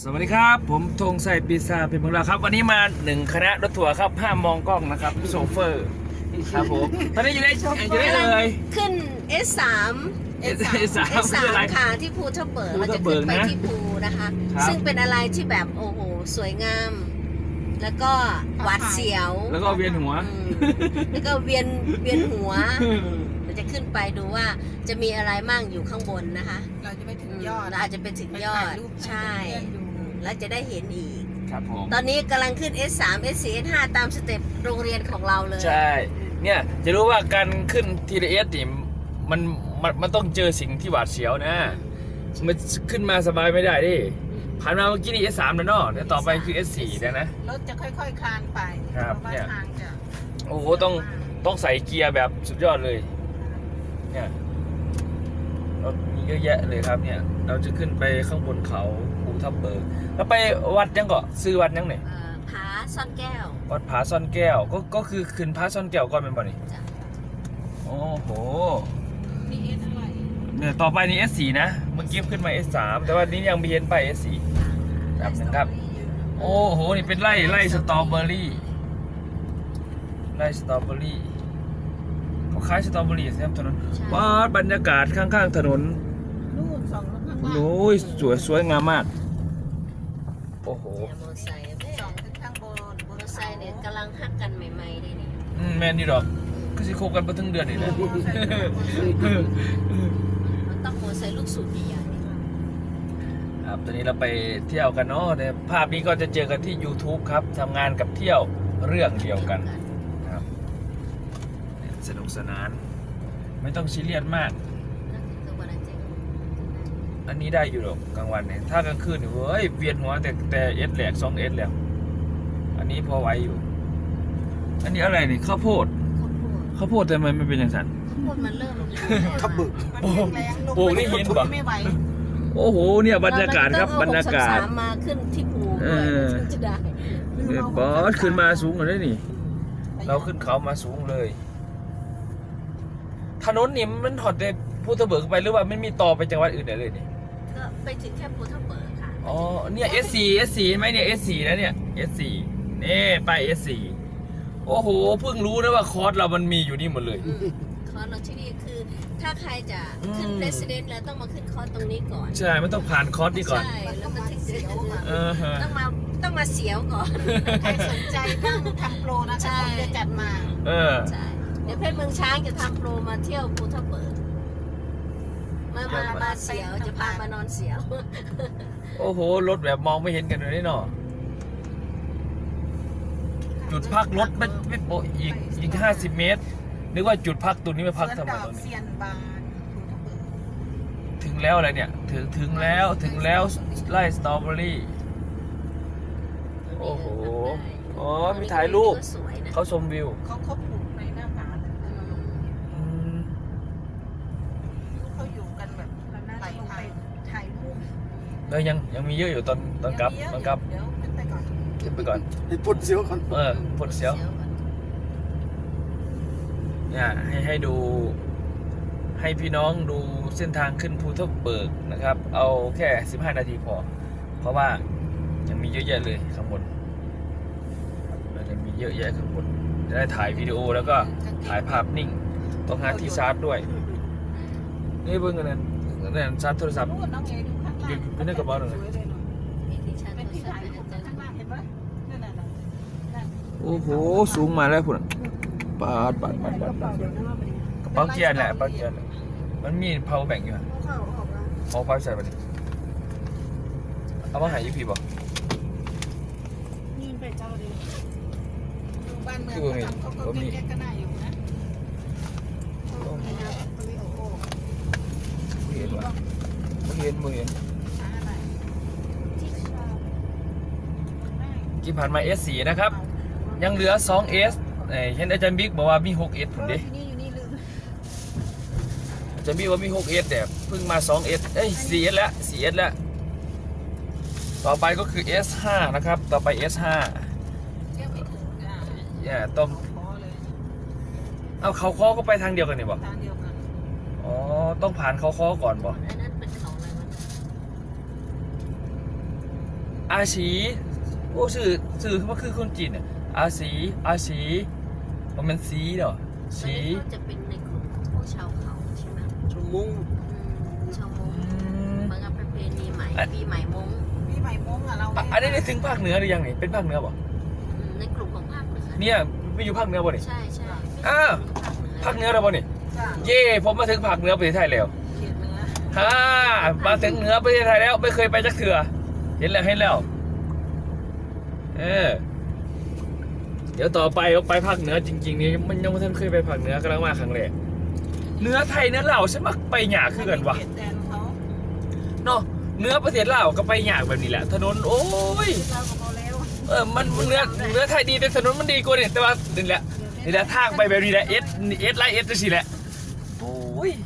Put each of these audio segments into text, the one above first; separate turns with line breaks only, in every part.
สวัสดีครับผมธงชัยปีศาจเป็นเมืองลาวครับวันนี้มา1คณะรถทัวร์ครับห้ามมองกล้องนะครับโชเฟอร์ครับผมตอนนี้อยู่ได้เลย
ขึ้น S3
S3 คืออะไร
ค่ะที่ภูทับเบิก
ภู
เรา
ทั
จะ
บเบิ
ขึ้
ก
นไป
นะ
ที่ภูนะคะ
ครับ
ซึ่งเป็นอะไรที่แบบโอ้โหสวยงาม แล้วก็หวาดเสียว
แล้วก็เวียนหัว
อืมแล้วก็เวียนหัวเราจะขึ้นไปดูว่าจะมีอะไรมั่งอยู่ข้างบนนะคะ
เราจะไปถึงยอด
เราอาจจะไปถึงยอด
ไปถ่ายรูป
ใช่
ให้เพื่อนๆดู
แล้วจะได้เห็นอีก
ครับผม
ตอนนี้กำลังขึ้น S3 S4 S5 ตามสเต็ปโรงเรียนของเราเลย
ใช่เนี่ยจะรู้ว่าการขึ้นทีเอสนี่มันต้องเจอสิ่งที่หวาดเสียวนะมันขึ้นมาสบายไม่ได้ดิผ่านมาเมื่อกี้นี่ S3 แล้วเนาะเดี๋ยวต่อไปคือ S4 แล้วนะ
รถจะค่อยๆคลานไป
ครับ
เพาะว่า
เนี่ย
ทางจะ
โอ้โหต้องใส่เกียร์แบบสุดยอดเลยเนี่ยรถมีเยอะแยะเลยครับเนี่ยเราจะขึ้นไปข้างบนเขาภูทับเบิกแล้วไปวัดยังก็ซื้อวัดยังเนี่ย
ผาซ่อนแก้ว
วัดผาซ่อนแก้วก็คือขึ้นผาซ่อนแก้วก่อนเป็นบ่นี่
จ้ะ
โอ้โห
มีเอสอะไร
เนี่ยต่อไปนี่ S4 นะเมื่อกี้ขึ้นมา S3 แต่ว่านี้ยังไม่เห็นไป S4 ครับนะครับโอ้โหนี่เป็นไร่สตรอเบอรี่ไร่สตรอเบอรี่เขาขายสตรอเบอรี่ใช่ไหมถนนว้าบรรยากาศข้างๆถนน
นู่นสองรถข้างล่าง
โอ้ยสวยงามมากโอ้โห
เนี่ยมอเตอร์ไซค์แม่
สองขึ้นข้างบน
มอเตอร์ไซค์เนี่ยกำลังฮักกันใหม่ๆเลยนี่
แม่นนี่ดอกก็สิคบกันไปถึงเดือนนี่นะ
มันต้องมอเตอร์ไซค์ลูกสูบใหญ่ๆ
ครับตอนนี้เราไปเที่ยวกันเนาะในภาพนี้ก็จะเจอกันที่ YouTube ครับทำงานกับเที่ยวเรื่องเดียวกันครับสนุกสนาน ไม่ต้องซีเรียสมาก อันนี้ได้อยู่หรอกกลางวันเนี่ยถ้ากลางคืนเนี่ยเว้ยเวียนหัวแต่เอสแหลก2 เอสแล้วอันนี้พอไหวอยู่ อันนี้อะไรนี่ข้าวโพดข้าวโพดแต่มันไม่เป็นอย่างนั้น
ข้าวโพดมันเริ่ม
ทับบึก
มันแรงๆลง
โอ้นี่เห็นปะ
ไม่ไหว
โอ้โหเนี่ยบรรยากาศครับบรรยากาศ
เอ633มาขึ้นที่ภู
เอ
ด้วย
อ
ถึงจะได้
บอสขึ้นมาสูงกว่านี้นี่ เราขึ้นเขามาสูงเลย ถนนนี่มันถอดในภูทับเบิกไปหรือว่าไม่มีต่อไปจังหวัดอื่นได้เลยนี่
ก็ไปถึงแค่ภูทับเบิกค่ะ
อ๋อเนี่ย S4 ไหมเนี่ย S4 นะเนี่ย S4 นี่ไป S4 โอ้โหเพิ่งรู้นะว่าคอร์สเรามันมีอยู่นี่หมดเลย
คอร์สเราที่นี่คือ ถ้าใครจะขึ้น
อืม
เรสซิเดนต์แล้วต้องมาขึ้นคอร์สตรงนี้ก่อน
ใช่ มันต้องผ่านคอร์สนี่ก่อน
ใช่แล้วก็ถึงจะ
ฮะ
ต้องมาเสียวก่อน
ใครสนใจนั่งทำโปรนะคะ
ใช่
ผมจะจัดมา
เออ
ใช่เดี๋ยวเพชรเมืองช้างจะทำโปรมาเที่ยวภูทับเบิกมาเสียวจะพามานอนเสียว
โอ้โห รถแบบมองไม่เห็นกันเลยนี่เนาะจุดพักรถไม่โปะอีก50 เมตร นึกว่าจุดพักตัวนี้ไม่พัก
เสือ
ทำไม
ดอก
ตรงนี้
เซียนบานภูทับเบิก
ถึงแล้วอะไรเนี่ย ถึงแล้วไล่สตรอเบอรี่ โอ้โห อ๋อ มีถ่ายรูป
สวยนะ
เขาชมวิว
เขาปลูกในหน้าผาเลย
อืม
เขาอยู่กันแบบไหลทางถ่ายรูป
แล้วยังมีเยอะอยู่ตอนกลับ
เดี๋ยว
ตอนกลับ
เดี๋ยวขึ้นไปก่อน
เก็บไปก่อน
ให้ปลดเสียวก่อน
ปลดเสียว เนี่ยให้ดู ให้พี่น้องดูเส้นทางขึ้นภูทับเบิกนะครับ เอาแค่15 นาทีพอ เพราะว่ายังมีเยอะแยะเลยข้างบนมันจะมีเยอะแยะข้างบนจะได้ถ่ายวิดีโอแล้วก็ถ่ายภาพนิ่ง ต้องหาที่ชาร์จด้วย นี่เบิ่งกันนั่นชาร์จโทรศัพท์
นู่นน้องเอดูข้างล่าง
อยู่ในกระเป๋าหน่อย
สวยเลยเนอะ
มีที่ชาร์จ
เป็น
โทร
ที่
ศัพ
ถ่าย
ท์
รูป
อาจารย์
ข้างล่างเห็นไหมนั่นน่ะนั่น
โอ้โห สูงมาแล้วคุณปาดกระเป๋าเกียร์แหละกระเป๋าเกียร์แหละมันมี power bank อยู่อะเอาไฟใส่ไปดิเอามาหายี่พีบอก
ยืนไปเจ้าดีดูบ้านเมือง
คือไง
เขาทำเขาแก้ก็น่าอยู่นะ
เห็นวะเห็น
หาอะไร
กี่ผ่านมา S4 นะครับ ยังเหลือ 2S เห็นอาจารย์บิ๊กบอกว่ามี 6S ผมดิ
อยู่นี่ลืม
อาจารย์บิ๊กว่ามี 6S แต่เพิ่งมา 2S 4S แล้ว 4S แล้ว ต่อไปก็คือ S5 นะครับ ต่อไป S5
เที่ยวไม่ถึงอ่ะ
เนี่ยต้อง
ขอเลย
เอาเขาค้อก็ไปทางเดียวกันนี่บอก
ทางเดียวกัน
อ๋อ ต้องผ่านเขาค้อก่อนบอก
อันนั้นเป็นเขาอะไรวะ
อาชีโอ้สื่อว่าคือคนจีนเนี่ยอาชีมันเป็นสีเหรอ
อัน
สี
นี้เขาจะเป็นในกลุ่มพวกชาวเขาใช่ไหม
ชมมุ้ง
ชาวมงเหมือนกับประเพณีใหม่ปีใหม่มง
พี่ใหม่มงอ่ะเรา
อันนี้ได้ถึงภาคเหนือหรือยังนี่เป็นภาคเหนือบ่
ในกลุ่มของภาคเหนือ
เนี่ยไปอยู่ภาคเหนือบ่นี่
ใช่
อ้าว ภาคเหนือแล้วบ่นี่
จ้ะ
เย่ผมมาถึงภาคเหนือประเทศไทยแล้ว
เขียนเนื้อ
ฮ่ามาถึงเหนือประเทศไทยแล้วไม่เคยไปจักเถื่อเห็นแล้วเดี๋ยวต่อไปเราไปภาคเหนือจริงๆนี่มันยังไม่ทันเคยไปภาคเหนือกำลังมาครั้งแรกเหนือไทยเหนือลาวฉันมักไปหยาคือกันวะ
เขียนแทนเขา
เนาะเหนือประเทศลาวก็ไปหยาแบบนี้แหละถนนโอ้ย
เราก็พอแล้ว
มันเนื้อไทยดีแต่ถนนมันดีกว่าเนี่ยแต่ว่านี่แหละทางไปแบบนี้แหละเอสไลท์เอสจะสิแหละโอ้ย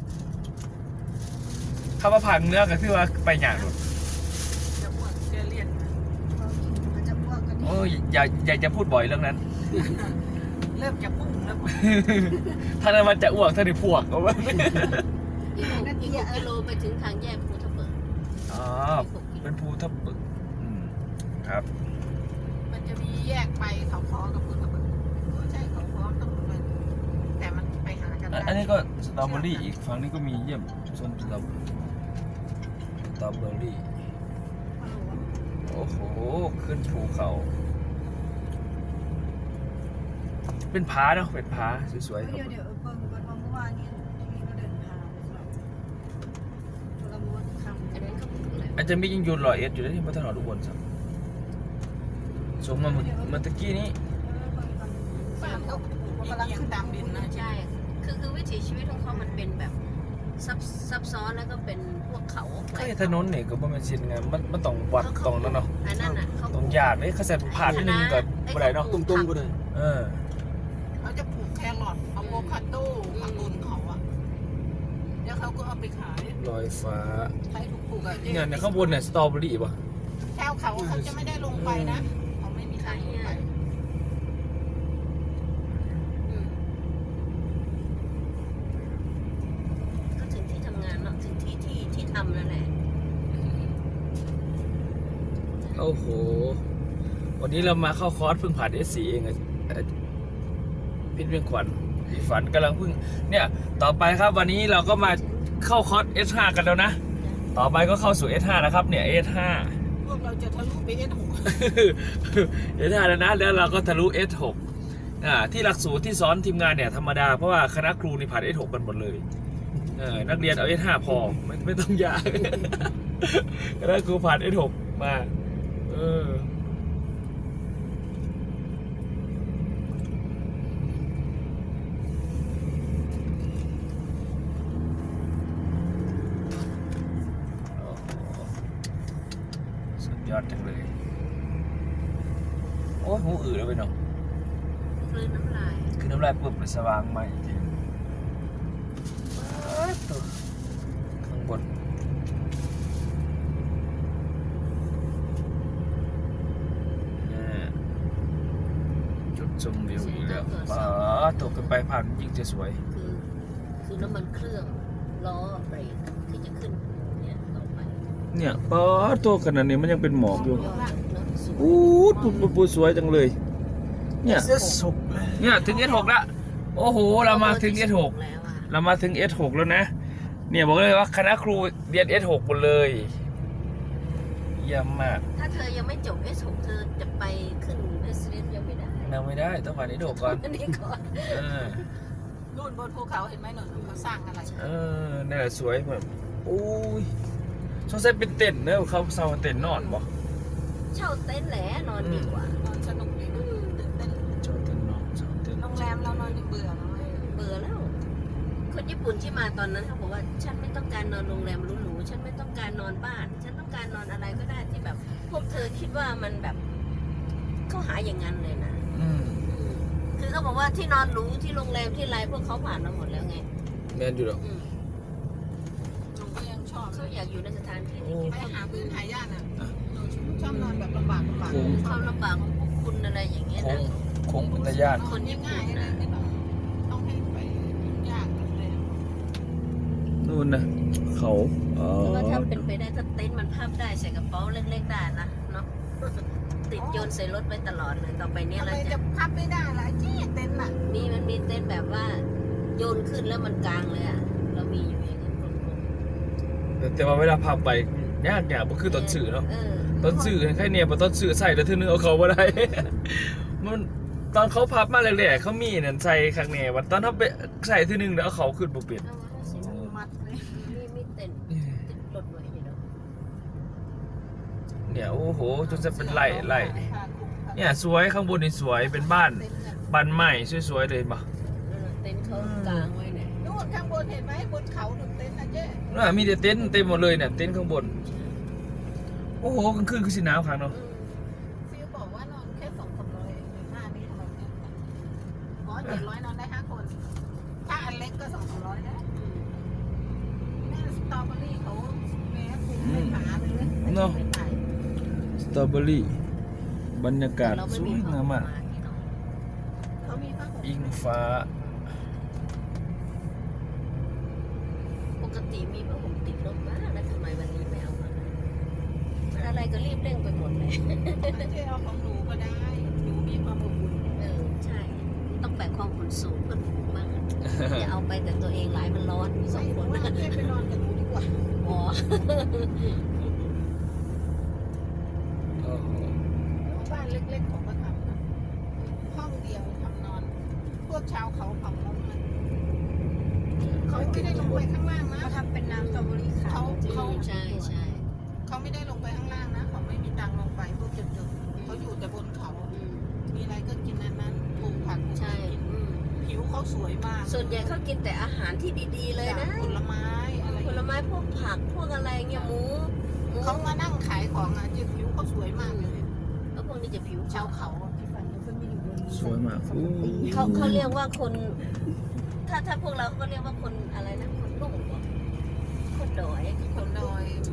ถ้ามาผ่านเนื้อก็คือว่าไปหยาด
จะอ้วนจะเลียนมันจะอ้วนกัน
โอ้ยอย่าจะพูดบ่อยเรื่องนั้น
เริ่มจะพุ่งแล้ว
ถ้านั้นมันจะอ้วกถ้าได้พวกเอาไว้
อีก6 กิโลไปถึงทางแยกภูทับเบิก
อ๋อเป็นภูทับเบิกครับ
มันจะมีแยกไปเขาคอกับพุ่งกับไม่ใช่เขาคอต้องไปแต่มันไปหากันได้
อันนี้ก็สตรอเบอรี่อีกฝั่งนี้ก็มีเยี่ยมส้มสตรอเบอรี่โอ้โหขึ้นภูเขาเป็นผาเนาะเป็นผาสวยๆครับ
เดี๋ยวเพิ่งวันเมื่อวานนี้พี่ก็เดินทางเราม้วนคำ
อันนั้นเขาพูดอะไร
อาจจะมียังยูนลอยเอสอยู่ที่พัฒนาอุบลครับสมมาเมื่อตะกี้นี้
บ้านเขากำลังขึ้นตามดินนะ
ใช่คือวิถีชีวิตของเขามันเป็นแบบซับซ้อนแล้วก็เป็นพวกเขา
ก็ไอ้ถนนเนี่ยก็บ่แม่นชินไงมันต้องวัดตรงนั้นเนาะ
อันนั้นน่ะเขา
ต้องยากเลยเขาใส่ผ่านนิดนึงก็บ่ได้เนาะ
ตรงๆก็ได้
เขาจะปลูกแครอทอะโวคาโดผักบุญเขาอ่ะแล้วเขาก็เอาไปขาย
ลอยฟ้า
ใครถูกปลูกอ่ะ
เนี่ยข้างบนเนี่ยสตรอเบอรี่ป่ะ
แถวเขาจะไม่ได้ลงไปนะเขาไม่มีทางลงไป
ก็ถึงที่ทำงานเนาะถึงที่ทำนั่นแหละ
โอ้โหวันนี้เรามาเข้าคอร์สเพิ่งผ่าน S4 เองอะพิษเวียงขวัญอีฝันกำลังเพิ่งเนี่ยต่อไปครับวันนี้เราก็มาเข้าคอร์ส S5 กันแล้วนะต่อไปก็เข้าสู่ S5 นะครับเนี่ย S5
พวกเราจะทะลุไปS6
S5 แล้วนะแล้วเราก็ทะลุ S6 ที่หลักสูตรที่สอนทีมงานเนี่ยธรรมดาเพราะว่าคณะครูนี่ผ่าน S6 กันหมดเลยนักเรียนเอา S5 พอไม่ต้องยาก คณะครูผ่าน S6 มาสุดยอดจังเลยโอ้ยหูอืดแล้วไปเนาะ
กลืนน้ำลาย
คือน้ำลายปุ๊บเลยสว่างใหม่จริงข้างบนจุดชมวิวอีกแล้วตกกันไปผ่านยิ่งจะสวย
คือน้ำมันเครื่องล้อเบรกที่จะขึ้นเนี่ยต่อไป
เนี่ยตัวขนาดนี้มันยังเป็นหมอกอยู่
ยอดเนอะสวย
ปูสวยจังเลยเนี่ย
สุกเลย
เนี่ยถึง S6 แล้วโอ้โหเรามาถึง S6
แล้วอะ
เรามาถึง S6 แล้วนะเนี่ยบอกเลยว่าคณะครูเรียน S6 หมดเลยเยี่ยมมาก
ถ้าเธอยังไม่จบ S6 เธอจะไปขึ้น S3 ยังไม่ได้
นั่งไม่ได้ต้องผ่าน S6 ก่อน
อันนี้ก่อน
นู่นบนภูเขาเห็นไหมหนูเขาสร้างอะไร
นี่นแหละสวยแบบโอ้ยสงสัยเป็นเต็นท์เนอะเขาเซาเต็นท์นอนบ่
เช่าเต็นท์แหละนอนดีกว่า
นอนสนุกดีนะตื่นเต้น
เช่าเต็นท์นอนเช่าเต็นท์
โรงแรมเรานอนยังเบื่อแล้ว
เบื่อแล้ว คนญี่ปุ่นที่มาตอนนั้นเขาบอกว่าฉันไม่ต้องการนอนโรงแรมหรูๆฉันไม่ต้องการนอนบ้าน ฉันต้องการนอนอะไรก็ได้ที่แบบ พวกเธอคิดว่ามันแบบเขาหาอย่างนั้นเลยนะ คือเขาบอกว่าที่นอนหรูที่โรงแรมที่ไรพวกเขาผ่านมาหมดแล้วไง
แมนอยู่หรอ
หนูก็ยังชอบ
เขาอยากอยู่ในสถานที่
โอ้
ไปหาพื้นหายากอ่ะหนูชอบนอนแบบลำบาก
ความลำบากของพวกคุณอะไรอย่างเงี้ยนะ
โค้งอุทยาน
คนง่ายๆเลยไม่ต้องให้ไปยากเลย
นู่นนะเขา
แต่ว่าถ้าเป็นไปได้ถ้าเต็นท์มันพับได้ใส่กระเป๋าเล็กๆได้นะเนาะติดโยนใส่รถไปตลอดเลยต่อไปเนี้ย
ทำไม
เรา
จะ
จะ
พับไม่ได้ล่ะจี้เต็นท์อ่ะ
มันมีเต้นแบบว่าโยนขึ้นแล้วมันกลางเลยอ่ะเรามีอยู่อย่างนั้น
แต่ว่าเวลาพับไปยากบ่คือต้นสื่อเนาะ
เออ
ต้นสื่อแค่เนี่ยบ่ต้นสื่อใส่แล้วเทื่อนึงเอาเขาบ่ได้ มันตอนเขาพับมาแรกๆเขามีนั่นใส่ข้างแน่ว่าตอนเขาไปใส่เทื่อนึงแล้วเอาเขาขึ้นบ่เป็น
เอามาสิ
มัดเลย
มีเต้นติดรถไว้อยู่เนาะ
เนี่ยโอ้โหจนจะเป็นไร่เนี่ยสวยข้างบนนี่สวยเป็นบ้านใหม่สวยๆเลยบ่
เต้นเขากลางไว้เนี่ย
นู่นข้างบนเห็นไหมบนเขาถึงเต็นท์นะเจ๊
น่ะมีแต่เต็นท์เต็มหมดเลยเนี่ยเต็นท์ข้างบนโอ้โหกลางคืนคือสิหนาวคักเนาะ
ฟิวบอกว่านอนแค่200-300เองในหน้านี้ทำไมเนี่ยอ๋อ700นอนได้5คนถ้าอันเล็กก็200นะแม่สตรอเบอรี่เขาแม่ปลูกเป็นหมาเลยไม่ตาย
สตรอเบอรี่บรรยากาศ
เรา
ส
ไม่
ว
มี
ยงามมาก
เขามีผ้าห่ม
อิงฟ้า
ปกติมีผ้าห่มติดรถมาแล้วทำไมวันนี้ไม่เอามาอะไรก็รีบเร่งไปหมดเลย
เจ๊เอาของหนูก็ได้หนูมีความอบอุ่น
ใช่ต้องแบกความขนสูงเพื่อนฝูงบ้างอย่าเอาไปแต่ตัวเองหลายมันร้อนมีสองคน
ว่าเจ๊ไปนอนกับหนูดีกว่า
อ๋อ
โอ้โห
บ้านเล็กๆของก็ทำนะห้องเดียวทำนอน พวกชาวเขาเผ่าเราเนี่ยเขาไม่ได้ลงไปข้างล่างนะ
เขาทำเป็นน้ำสตรอเบอรี่ขาว
ใช่ใช่
เขาไม่ได้ลงไปข้างล่างนะเขาไม่มีตังค์ลงไปพวกจุดๆเขาอยู่แต่บนเขา มีอะไรก็กินอันนั้นปลูกผักปลูก
ใช่
อะไรกินผิวเขาสวยมาก
ส่วนใหญ่เขากินแต่อาหารที่ดีๆเลยนะ
ผลไม้อะไร
ผลไม้พวกผักพวกอะไรเงี้ยหมู
เขามานั่งขายของอ่ะจิผิวเขาสวยมากเลย
แล้วพวกนี้จะผิว
ชาวเขาอะ
ที่ฝันเขาไม่อยู่บน
สวยมากอู้
เขาเรียกว่าคน ถ้าพวกเราก็เรียกว่าคนอะไรนะคนลุ่มเหรอคนดอย
คนดอย
อื